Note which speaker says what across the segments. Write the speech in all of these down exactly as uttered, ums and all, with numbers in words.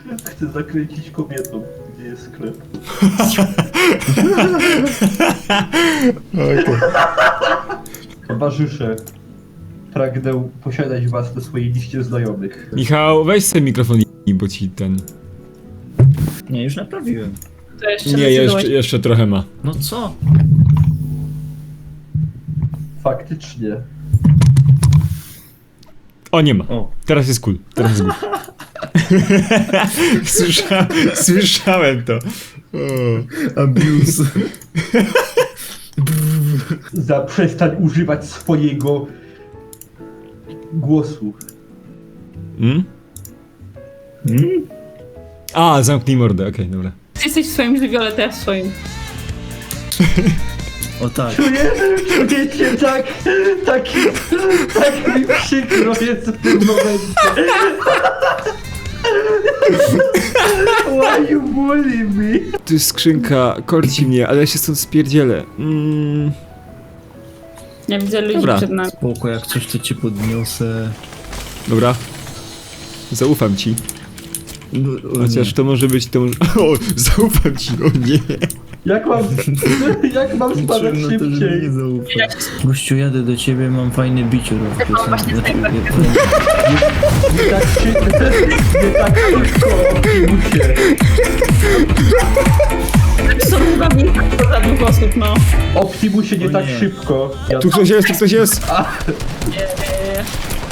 Speaker 1: Chcę zakręcić kobietą, gdzie jest sklep.
Speaker 2: Okay.
Speaker 1: Towarzysze, pragnę posiadać was na swojej liście znajomych.
Speaker 2: Michał, weź sobie mikrofon i bo ci ten...
Speaker 3: Nie, już naprawiłem.
Speaker 4: To jeszcze
Speaker 2: Nie, jeszcze, jeszcze trochę ma.
Speaker 3: No co?
Speaker 1: Faktycznie.
Speaker 2: O, nie ma.
Speaker 3: O.
Speaker 2: Teraz jest cool. Teraz jest cool. Słysza... Słyszałem to. O.
Speaker 3: Abuse.
Speaker 1: Zaprzestań używać swojego głosu.
Speaker 2: Mm?
Speaker 3: Hmm?
Speaker 2: A, zamknij mordę, okej, okay, dobra.
Speaker 4: Ty jesteś w swoim żywiole, to ja w swoim.
Speaker 3: O tak.
Speaker 1: Czuję, czujecie tak, tak, tak mi przykro jest w tym momencie. Why you bully me?
Speaker 2: Tu jest skrzynka, korci mnie, ale ja się stąd spierdzielę. Mm.
Speaker 4: Ja widzę ludzi
Speaker 2: Dobra.
Speaker 4: przed nami.
Speaker 3: Spoko, jak coś to ci podniosę.
Speaker 2: Dobra. Zaufam ci.
Speaker 3: No, o
Speaker 2: Chociaż
Speaker 3: nie.
Speaker 2: to może być to może... O, zaufam ci, o nie.
Speaker 1: Jak mam, jak mam spadać
Speaker 3: Liczyłem na to, że mi
Speaker 1: szybciej?
Speaker 3: nie zaufa. Gościu, jadę do ciebie, mam fajny bicior w piosence. Znaczy, nie,
Speaker 1: Nie tak szybko, nie tak szybko, muszę.
Speaker 4: Są chyba mi za dwóch osób, no.
Speaker 1: Optimusie nie
Speaker 3: O
Speaker 1: tak
Speaker 3: nie.
Speaker 1: szybko. Ja...
Speaker 2: Tu ktoś jest, tu ktoś jest.
Speaker 4: Eee...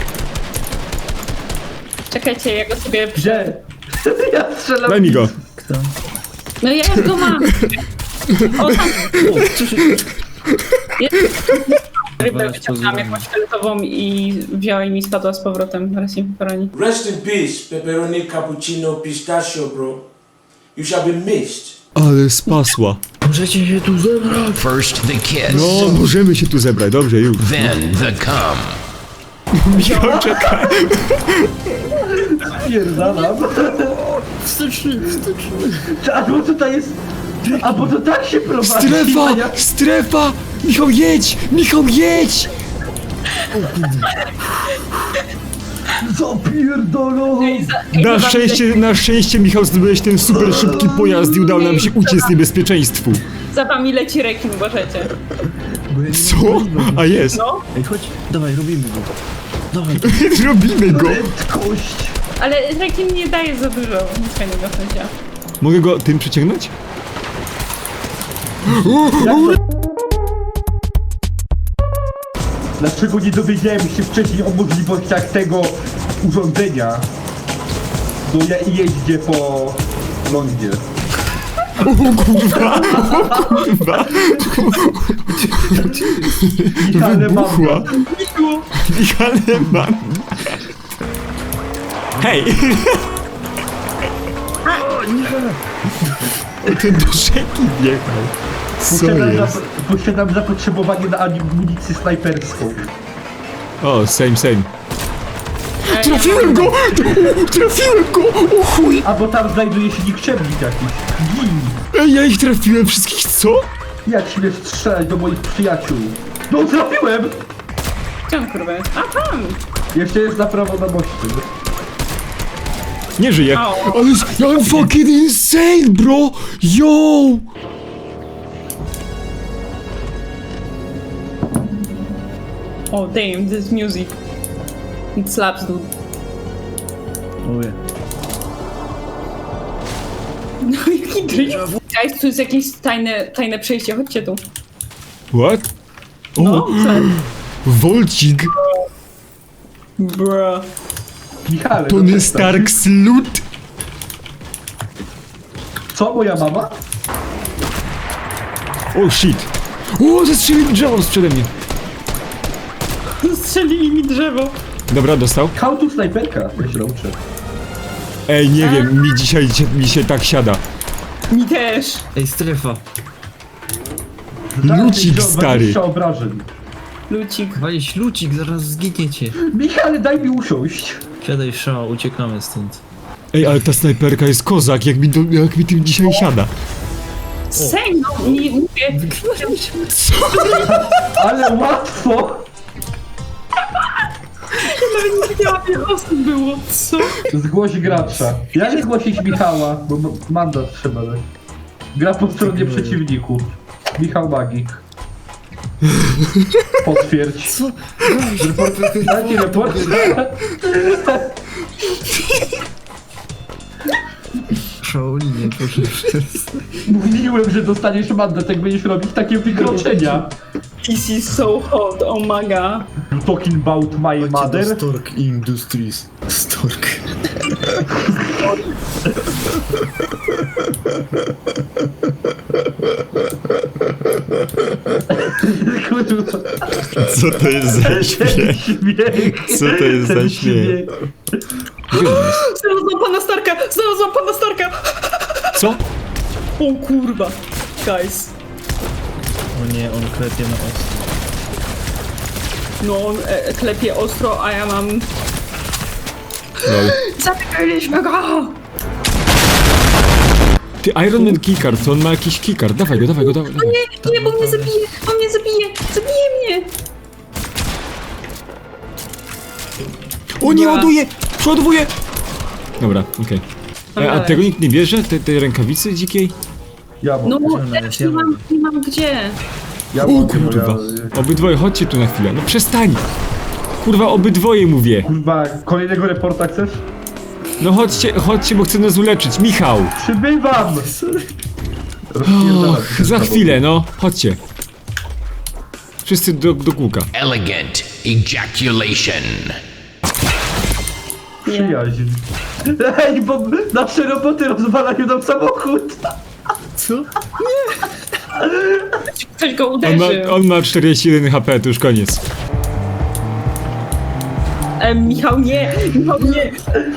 Speaker 4: Czekajcie, ja go sobie...
Speaker 1: Gdzie? Ja strzelam.
Speaker 2: Daj mi go.
Speaker 3: Kto?
Speaker 4: No ja już go mam. O, tam
Speaker 3: O, co się...
Speaker 4: jest. Rybę
Speaker 3: Zaraz
Speaker 4: wyciągnęłam
Speaker 3: pozwolę.
Speaker 4: jakąś fioletową i wzięła i mi spadła z powrotem. Teraz nie porani.
Speaker 5: Rest in peace, pepperoni cappuccino pistachio, bro. You shall be missed.
Speaker 2: Ale spasła.
Speaker 3: Możecie się tu zebrać.
Speaker 6: First the kiss,
Speaker 2: No, możemy się tu zebrać, dobrze, już.
Speaker 6: then the cum.
Speaker 2: Michał, czekaj.
Speaker 1: Pierdalam.
Speaker 3: Wsteczny, wsteczny.
Speaker 1: A bo tutaj jest... A bo to tak się prowadzi.
Speaker 2: Strefa!
Speaker 1: Ja...
Speaker 2: Strefa! Michał, jedź! Michał, jedź!
Speaker 1: Zapierdolą.
Speaker 2: Na szczęście, na szczęście, Michał, zdobyłeś ten super szybki pojazd i udało nam się uciec z niebezpieczeństwu.
Speaker 4: Za wami leci rekin, uważajcie.
Speaker 2: Co? A jest.
Speaker 4: No,
Speaker 3: Ej, chodź, dawaj, robimy go. Dawaj.
Speaker 2: Robimy go.
Speaker 1: Prędkość.
Speaker 4: ale rekin nie daje za dużo. Nic fajnego w sensie.
Speaker 2: Mogę go tym przyciągnąć?
Speaker 1: Dlaczego nie dowiedziałem się wcześniej o możliwościach tego urządzenia? Do ja jeździe po lądzie.
Speaker 2: Kurwa, kurwa.
Speaker 1: Ale mam
Speaker 2: Wybuchła. Michał, mam. Hej! Ten do rzeki wjechał. Co
Speaker 1: Posiadam,
Speaker 2: jest?
Speaker 1: zap posiadam zapotrzebowanie na amunicję snajperską.
Speaker 2: O, same, same. Trafiłem go! Trafiłem go! O chuj!
Speaker 1: A bo tam znajduje się nikczemnik jakiś. Gin!
Speaker 2: Ej, ja ich trafiłem wszystkich, co?
Speaker 1: Jak śmiesz strzelać do moich przyjaciół? No trafiłem!
Speaker 4: Gdzie on kurwa jest? A tam!
Speaker 1: Jeszcze jest na prawo na moście.
Speaker 2: Nie żyję.
Speaker 4: Au.
Speaker 2: Ale I'm fucking insane, bro! Yo!
Speaker 4: Oh damn, this music. It slaps, dude.
Speaker 3: Oje.
Speaker 4: No jaki drift. Guys, tu jest jakieś tajne, tajne przejście, chodźcie tu.
Speaker 2: What? O,
Speaker 4: No, co?
Speaker 2: Volcik.
Speaker 4: Bruh.
Speaker 1: Michale, no
Speaker 2: Tony
Speaker 1: przestań.
Speaker 2: Stark slut.
Speaker 1: Co, moja mama?
Speaker 2: O, shit. O, zestrzelił mi drzewo sprzede mnie.
Speaker 4: Strzelili mi drzewo.
Speaker 2: Dobra, dostał.
Speaker 1: How to snajperka? Ja się nauczę.
Speaker 2: Ej, nie wiem, mi dzisiaj, mi się tak siada.
Speaker 4: Mi też.
Speaker 3: Ej, strefa.
Speaker 2: Lucik,
Speaker 1: Dajcie
Speaker 2: stary.
Speaker 1: dwadzieścia obrażeń.
Speaker 4: Lucik.
Speaker 3: Walić lucik, zaraz zginiecie.
Speaker 1: Michale, daj mi usiąść.
Speaker 3: Siadaj, szał, uciekamy stąd.
Speaker 2: Ej, ale ta snajperka jest kozak, jak mi, to, jak mi tym dzisiaj siada.
Speaker 4: Same, no, nie mówię.
Speaker 2: Co?
Speaker 1: Ale łatwo!
Speaker 4: Nawet nie wiedziałam, ile osób było, co?
Speaker 1: Zgłoś gracza. Jak zgłosić Michała? Bo ma- mandat trzeba dać. Gra po stronie przeciwników. Michał Magik. Potwierdź.
Speaker 3: Co?
Speaker 1: Dajcie report.
Speaker 3: Shaolinie, proszę przez...
Speaker 1: Mówiłem, że dostaniesz mandat, jak będziesz robić takie wykroczenia.
Speaker 4: This is so hot, oh my god.
Speaker 1: You talking about my mother?
Speaker 3: Stork Industries. Stork.
Speaker 1: Kurwa.
Speaker 2: Co to jest za śmiech?
Speaker 1: Śmiech.
Speaker 2: Co to jest za
Speaker 1: Ten
Speaker 2: śmiech? Gdzie on jest?
Speaker 4: Znalazłam pana Starka! Znalazłam pana Starka!
Speaker 2: Co?
Speaker 4: O kurwa. Guys.
Speaker 3: O nie, on klepie na ostro.
Speaker 4: No, on e, klepie ostro, a ja mam...
Speaker 2: Lol.
Speaker 4: Zamykaliśmy go!
Speaker 2: Ty, Iron Man keycard, to on ma jakiś keycard. Dawaj go, dawaj go, dawaj. dawaj.
Speaker 4: Nie, nie, bo mnie zabije! On mnie zabije! Zabije mnie!
Speaker 2: O, nie ładuje! Przeładowuje! Dobra, okej. E, A tego nikt nie bierze? Te, te rękawicy dzikiej?
Speaker 1: Ja mam.
Speaker 4: No,
Speaker 3: Ona
Speaker 4: też
Speaker 3: jest,
Speaker 4: nie
Speaker 3: ja
Speaker 4: mam, nie mam gdzie.
Speaker 1: Ja
Speaker 2: O
Speaker 1: mam.
Speaker 2: kurwa.
Speaker 1: Ja-
Speaker 2: Obydwoje, chodźcie tu na chwilę. No przestań! Kurwa, obydwoje mówię.
Speaker 1: Kurwa, kolejnego reporta chcesz?
Speaker 2: No chodźcie, chodźcie, bo chcę nas uleczyć. Michał!
Speaker 1: Przybywam!
Speaker 2: Och, za chwilę, no. Chodźcie. Wszyscy do, do kółka.
Speaker 6: Elegant ejaculation.
Speaker 1: Przyjaźń. Ej, bo nasze roboty rozwalają nam samochód!
Speaker 3: Co?
Speaker 4: Ktoś go
Speaker 2: On ma,
Speaker 4: uderzył.
Speaker 2: on ma czterdzieści jeden H P, to już koniec.
Speaker 4: E, Michał, nie! Michał, nie!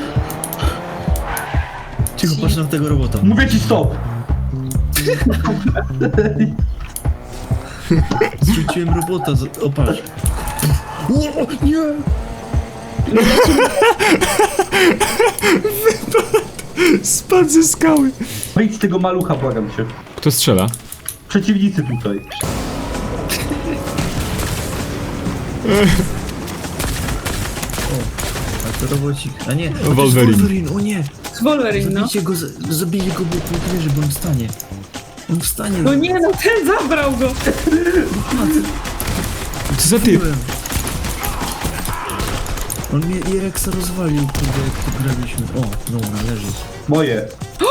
Speaker 3: Cicho, patrz na tego robota.
Speaker 1: Mówię ci stop!
Speaker 3: Zrzuciłem robota, z... o patrz. O, nie!
Speaker 2: Spadł ze skały.
Speaker 1: Wyjdź z tego malucha, błagam cię.
Speaker 2: Kto strzela?
Speaker 1: Przeciwnicy tutaj.
Speaker 3: A to robocik. A nie, a to jest
Speaker 2: Wolverine.
Speaker 3: Wolverine, o nie!
Speaker 4: Z Wolverine, no.
Speaker 3: Zabijcie go, z- zabijcie go, bo bo wierzy, bo on wstanie. On wstanie.
Speaker 4: No nie, no ten zabrał go!
Speaker 2: Co za typ?
Speaker 3: Byłem. On mnie Irexa rozwalił, kurde, jak tu graliśmy. O, dobra, leży.
Speaker 1: Moje.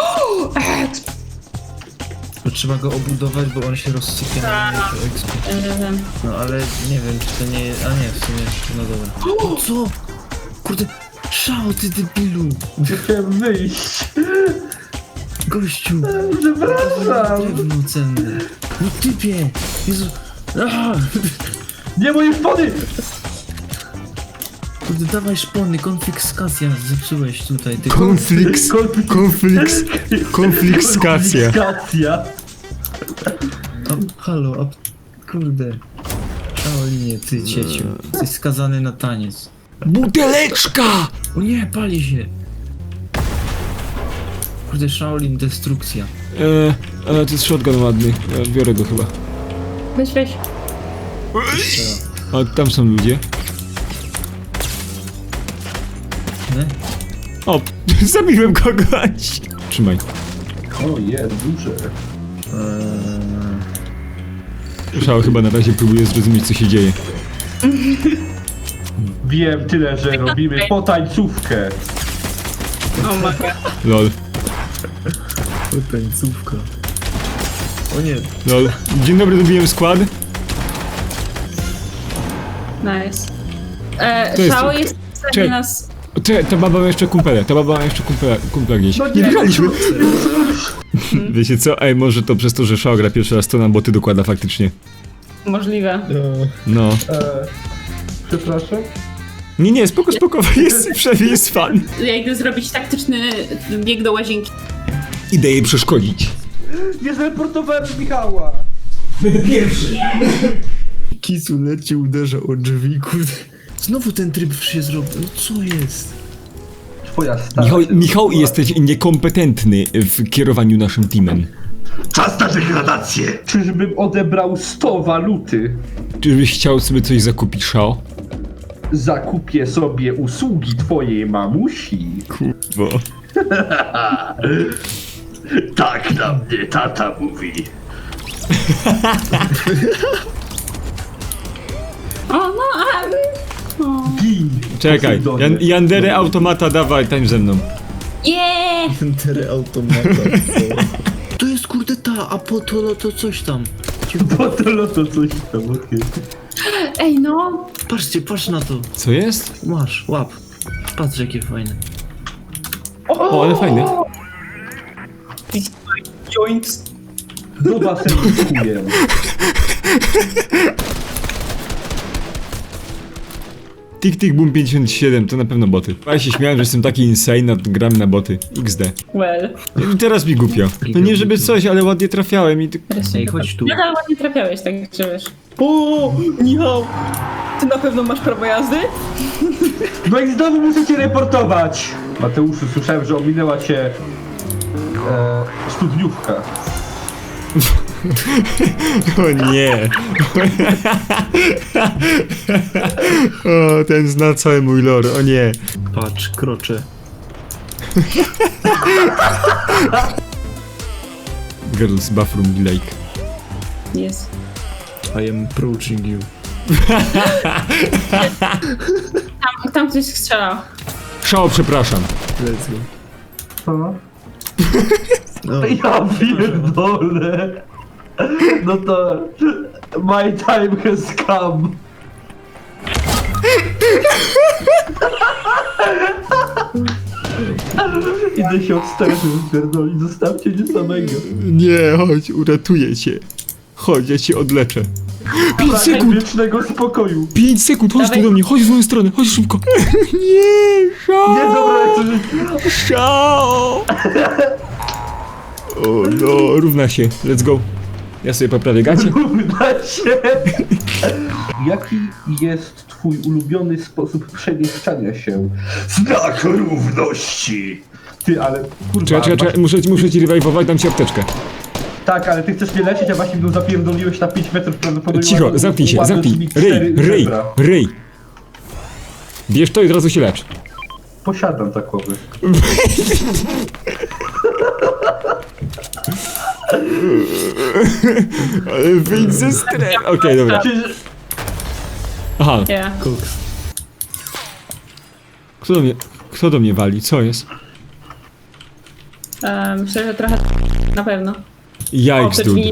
Speaker 3: To trzeba go obudować, bo on się rozsypie na mniejszą ekspę.
Speaker 4: E,
Speaker 3: No ale nie wiem, czy to nie jest... A nie, w sumie, no dobra. O, co? Kurde, szao, ty debilu!
Speaker 1: Chciałem wyjść.
Speaker 3: Gościu!
Speaker 1: Przepraszam.
Speaker 3: Drewno cenne. No typie! Jezu! Ah!
Speaker 1: Nie moje szpony!
Speaker 3: Kurde, dawaj szpony, konfiskacja zepsułeś tutaj. Ty
Speaker 2: Konflikt. Konflikt. Konfliktskacja.
Speaker 1: Konfiskacja.
Speaker 3: A, halo, a... Kurde. Shaolinie, ty cieciu. Jesteś skazany na taniec.
Speaker 2: Buteleczka!
Speaker 3: O nie, pali się! Kurde, Shaolin, destrukcja.
Speaker 2: Eee, ale to jest shotgun ładny. Ja biorę go chyba.
Speaker 4: weź, weź.
Speaker 2: A tam są ludzie.
Speaker 3: Nie?
Speaker 2: O, zabiłem kogoś. Trzymaj.
Speaker 1: O, jest duże.
Speaker 3: Eee...
Speaker 2: Szał chyba na razie próbuje zrozumieć, co się dzieje.
Speaker 1: Wiem tyle, że robimy potańcówkę.
Speaker 4: O my god.
Speaker 2: Lol.
Speaker 3: O, tańcówka. O nie,
Speaker 2: Lol. Dzień dobry, dobiłem skład.
Speaker 4: Nice. E,
Speaker 2: To jest-
Speaker 4: Szao jest w stanie
Speaker 2: Czekaj.
Speaker 4: nas...
Speaker 2: Cze, ta baba ma jeszcze kumpele, ta baba ma jeszcze kumpela, kumpla gdzieś.
Speaker 1: No
Speaker 2: Nie
Speaker 1: nie.
Speaker 2: wygraliśmy! Wiecie co? Ej, może to przez to, że Szał gra pierwszy raz, to nam boty dokłada faktycznie.
Speaker 4: Możliwe.
Speaker 2: No.
Speaker 1: E, przepraszam?
Speaker 2: Nie, nie, spoko, spoko, jest, przynajmniej jest fan.
Speaker 4: Ja idę zrobić taktyczny bieg do łazienki.
Speaker 2: Idę jej przeszkodzić.
Speaker 1: Nie zreportowałem Michała!
Speaker 3: Kisu leci, uderza o drzwi, kurde. Znowu ten tryb się zrobił, no co jest?
Speaker 1: Twoja stara.
Speaker 2: Michał, Michał, jesteś niekompetentny w kierowaniu naszym teamem.
Speaker 1: Czas na degradację! Czyżbym odebrał sto waluty?
Speaker 2: Czyżbyś chciał sobie coś zakupić, Szao?
Speaker 1: zakupię sobie usługi twojej mamusi.
Speaker 2: Bo...
Speaker 1: Tak na mnie tata mówi.
Speaker 4: O, no, a... O.
Speaker 1: Gin.
Speaker 2: Czekaj,
Speaker 1: Posejdonie.
Speaker 2: Jan Yandery automata, dawaj, tań ze mną.
Speaker 4: Yeah!
Speaker 3: Tery automata. To jest kurde ta, a po to no to coś tam.
Speaker 1: Bo to loto coś tam, okej.
Speaker 4: Ej, no!
Speaker 3: Patrzcie, patrz na to.
Speaker 2: Co jest?
Speaker 3: Masz, łap. Patrz jakie fajne.
Speaker 2: O, ale fajne.
Speaker 4: Joint.
Speaker 1: Do basenu kuję.
Speaker 2: Tik Tik Boom pięćdziesiąt siedem, to na pewno boty. Ja się śmiałem, że jestem taki insane, a gram na boty. iks de.
Speaker 4: Well.
Speaker 2: I teraz mi głupio. No nie żeby coś, ale ładnie trafiałem i... ty-
Speaker 3: Ej, chodź tu.
Speaker 4: Nadal ładnie trafiałeś, tak że wiesz. O, Michał! Ty na pewno masz prawo jazdy?
Speaker 1: No i znowu muszę cię reportować. Mateuszu, słyszałem, że ominęła cię e, studniówka.
Speaker 2: O nie. O, ten zna cały mój lore, o nie.
Speaker 3: Patrz, kroczę.
Speaker 2: Girls bathroom lake.
Speaker 4: Jest.
Speaker 3: I am approaching you.
Speaker 4: Tam, tam ktoś strzelał.
Speaker 2: Szao, przepraszam.
Speaker 3: Let's go.
Speaker 1: Co?
Speaker 3: No.
Speaker 1: Ja pierdolę. No to... My time has come. Idę się od stresu wypierdolić, zostawcie mnie samego.
Speaker 2: Nie, chodź, uratuję cię. Chodź, ja cię odleczę. pięć
Speaker 1: Pragę
Speaker 2: sekund!
Speaker 1: wiecznego spokoju.
Speaker 2: pięć sekund, chodź tu
Speaker 4: Dawaj.
Speaker 2: do mnie, chodź w moją stronę, chodź szybko. Nie, Szao!
Speaker 1: Nie, dobra, jak to żyć.
Speaker 2: Szao! O no, równa się, let's go. Ja sobie poprawię gacie.
Speaker 1: Uda się. Jaki jest twój ulubiony sposób przemieszczania się? Znak równości! Ty, ale kurwa...
Speaker 2: Czekaj, czekaj, czekaj, muszę, muszę ci rewajwować, dam ci apteczkę.
Speaker 1: Tak, ale ty chcesz mnie lecieć, a właśnie mną zapierdoliłeś na pięć metrów prawdopodobnie.
Speaker 2: Cicho,
Speaker 1: ładno-
Speaker 2: zamknij się,
Speaker 1: ładno
Speaker 2: zamknij.
Speaker 1: mi
Speaker 2: Ryj,
Speaker 1: cztery
Speaker 2: ryj,
Speaker 1: żebra.
Speaker 2: ryj. Bierz to i od razu się lecz.
Speaker 1: Posiadam takowy.
Speaker 2: Ale wyjdź ze strefy. Okej, dobra.
Speaker 1: Czy...
Speaker 2: Aha,
Speaker 4: Yeah.
Speaker 3: Koks.
Speaker 2: kto do mnie, kto do mnie wali, co jest?
Speaker 4: E, myślę, że trochę na pewno.
Speaker 2: Yikes,
Speaker 4: te
Speaker 2: dude.
Speaker 4: drzwi.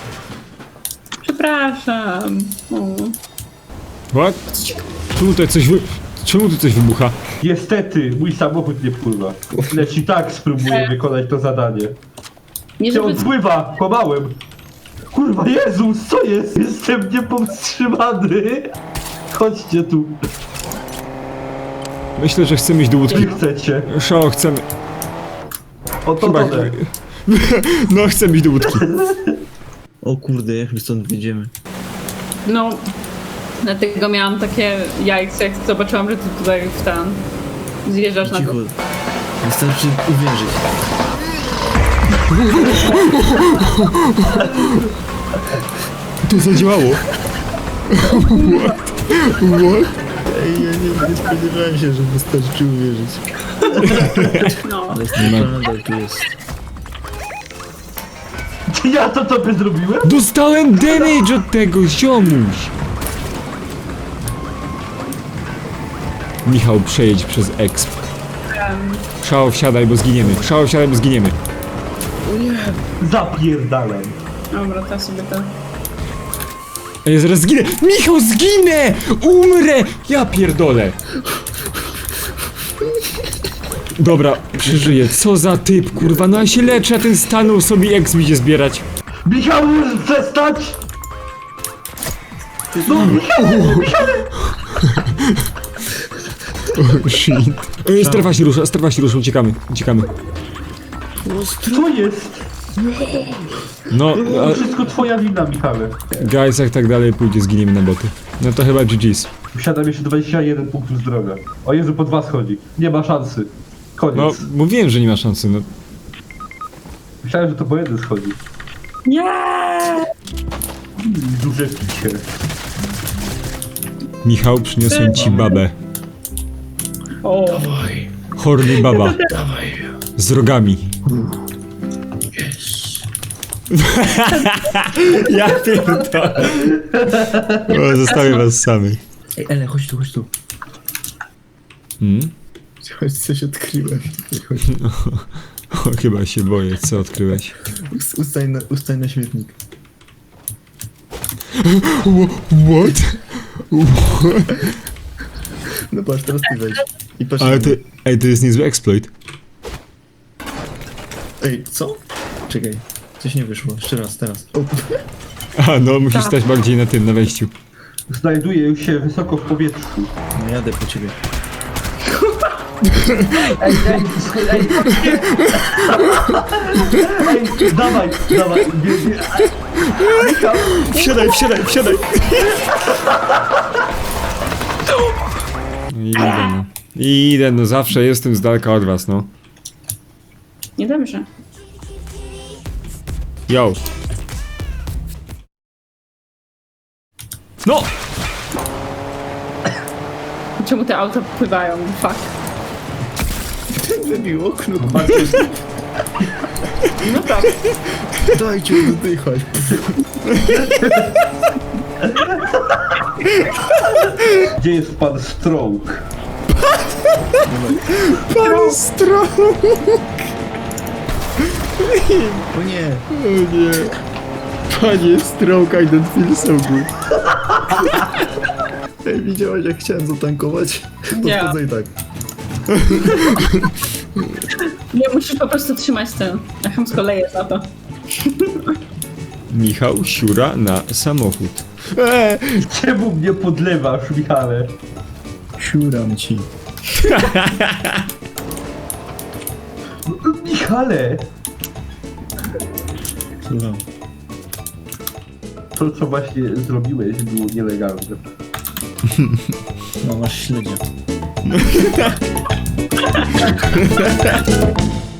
Speaker 4: Przepraszam. O.
Speaker 2: What? Czemu tutaj coś wy... Czemu tu coś wybucha?
Speaker 1: Niestety, mój samochód nie wpływa. Lecz i tak spróbuję wykonać to zadanie.
Speaker 4: Nie
Speaker 1: Cię
Speaker 4: żeby...
Speaker 1: odpływa! Kłamałem! Kurwa, Jezus, co jest? Jestem niepowstrzymany! Chodźcie tu,
Speaker 2: Myślę, że chcemy iść do łódki.
Speaker 1: nie chcecie.
Speaker 2: Szao, chcemy...
Speaker 1: O to
Speaker 2: Chyba...
Speaker 1: to.
Speaker 2: No, chcemy iść do łódki.
Speaker 3: O kurde, jak my stąd wyjdziemy.
Speaker 4: No, dlatego miałam takie jajce, jak zobaczyłam, że ty tutaj w ten zjeżdżasz na
Speaker 3: Cicho.
Speaker 4: to.
Speaker 3: Wystarczy uwierzyć.
Speaker 2: To zadziałało. What? What?
Speaker 3: Ej, ja nie, nie spodziewałem się, że wystarczy uwierzyć.
Speaker 4: No.
Speaker 3: Ale
Speaker 2: Nie ma.
Speaker 3: nadal tu jest.
Speaker 1: Ja to tobie zrobiłem?
Speaker 2: Dostałem damage od tego, ziomuś! Michał, przejedź przez exp. Szao, wsiadaj, bo zginiemy. Szao, wsiadaj, bo zginiemy.
Speaker 1: Zapierdalam.
Speaker 4: Dobra, to sobie to...
Speaker 2: A ja zaraz zginę! Michał, zginę! Umrę! Ja pierdolę! Dobra, przeżyję. Co za typ, kurwa, no ja się leczę, a ten stanął sobie exp idzie zbierać.
Speaker 1: Michał, możesz przestać? No, Michał, Michał!
Speaker 2: Oh, shit. E, strefa się rusza, strefa się rusza, uciekamy, uciekamy.
Speaker 1: Co jest?
Speaker 2: No,
Speaker 1: To
Speaker 2: a,
Speaker 1: wszystko twoja wina, Michale.
Speaker 2: guys, jak tak dalej pójdzie, zginiemy na boty. No to chyba G G's.
Speaker 1: Wsiadam jeszcze dwadzieścia jeden punktów zdrowia. O Jezu, pod was chodzi. Nie ma szansy. Koniec.
Speaker 2: No, mówiłem, że nie ma szansy, no.
Speaker 1: Myślałem, że to po jeden schodzi.
Speaker 4: Nie!
Speaker 1: Duże picie.
Speaker 2: Michał, przyniosłem ci babę.
Speaker 4: O,
Speaker 2: Horny baba. Z rogami. Ja pierdolę. O, zostawię was samych.
Speaker 3: Ej, Ele, chodź tu, chodź tu.
Speaker 2: Hmm?
Speaker 3: Chodź, coś odkryłem. Chodź.
Speaker 2: O, chyba się boję, co odkryłeś.
Speaker 3: Us- Ustań na, ustań na śmietnik.
Speaker 2: What?
Speaker 3: No patrz, teraz ty wejdź. I patrz.
Speaker 2: Ale to, ej, to jest niezły exploit.
Speaker 3: Ej, co? Czekaj, coś nie wyszło. Jeszcze raz, teraz. O,
Speaker 2: A, no, musisz stać bardziej na tym, na wejściu.
Speaker 1: Znajduję się wysoko w powietrzu.
Speaker 3: no jadę po ciebie.
Speaker 1: Ej, ej, ej, ej, dawaj, dawaj, nie, nie. Michał,
Speaker 2: Wsiadaj, wsiadaj, wsiadaj! Idę, no. Idę, no zawsze jestem z daleka od was, no.
Speaker 4: niedobrze.
Speaker 2: Yo. No!
Speaker 4: Czemu te auta pływają? Fuck.
Speaker 3: Wybił okno.
Speaker 4: No tak.
Speaker 3: Dajcie oddychać.
Speaker 1: gdzie jest pan Stroke?
Speaker 2: Pan Stroke!
Speaker 3: O nie.
Speaker 2: O nie. Panie Stroke, I don't feel so good.
Speaker 3: Ej, widziałeś jak chciałem zatankować?
Speaker 4: Nie.
Speaker 3: Podchodzę i tak.
Speaker 4: Nie, musisz po prostu trzymać ten. Ja chamsko leję za to.
Speaker 2: Michał siura na samochód. Eee,
Speaker 1: Czemu mnie podlewasz, Michale?
Speaker 3: Siuram ci.
Speaker 1: Michale!
Speaker 3: Słucham.
Speaker 1: To, co właśnie zrobiłeś, było nielegalne.
Speaker 3: No masz śledzia.